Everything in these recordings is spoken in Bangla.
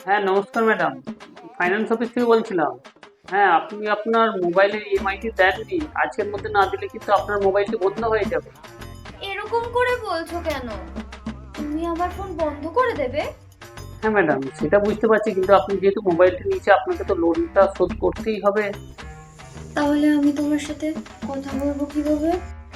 হ্যাঁ, নমস্কার ম্যাডাম। ফাইন্যান্স অফিস থেকে বলছিলাম। হ্যাঁ, আপনি আপনার মোবাইলের ইএমআইটি দেননি। আজকের মধ্যে না দিলে কিন্তু আপনার মোবাইলটি বন্ধ হয়ে যাবে। এরকম করে বলছো কেন? তুমি আমার ফোন বন্ধ করে দেবে? হ্যাঁ ম্যাডাম, সেটা বুঝতে পারছি, কিন্তু আপনি যেহেতু মোবাইলটি নিয়েছে আপনাকে তো লোনটা শোধ করতেই হবে। তাহলে আমি তোমার সাথে কথা বলবো কিভাবে?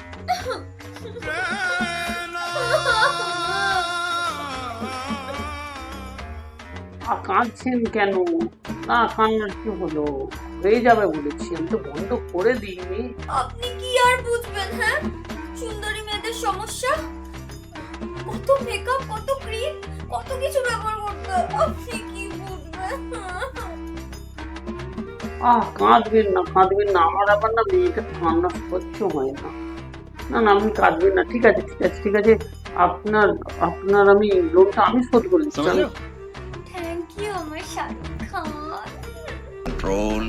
কাঁদছেন কেন? না, কান্নার কি হলো? হয়ে যাবে বলেছি, আমি তো বন্ধ করে দিইনি। আপনি কি আর বুঝবেন, হ্যাঁ? সুন্দরী মেয়েদের সমস্যা, কত মেকআপ, কত ক্রিম, কত কিছু ব্যবহার করতে হয়। আপনি কি বুঝবেন? কাঁদবেন না, কাঁদবেন না। আমার আবার না মেয়েটা কান্না সহ্য হয় না। না না, আপনি কাঁদবেন না। ঠিক আছে, ঠিক আছে, ঠিক আছে। আপনার আপনার আমি লোনটা আমি শোধ করে দিচ্ছি। থ্যাংক ইউ আমার শাহরুখ খান। Control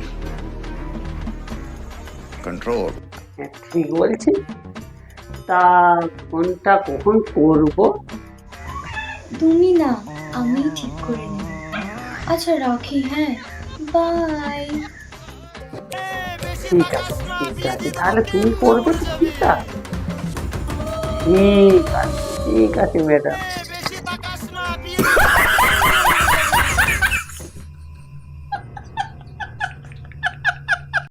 control. হ্যাঁ, ঠিক বলছি। তা ফোনটা কখন করবো? তুমি না, আমি ঠিক করে নেব। আচ্ছা রাখি, হ্যাঁ, বাই। ঠিক আছে, ঠিক আছে, তাহলে তুমি করবে তো? ঠিক আছে, ঠিক আছে, ঠিক আছে ম্যাডাম।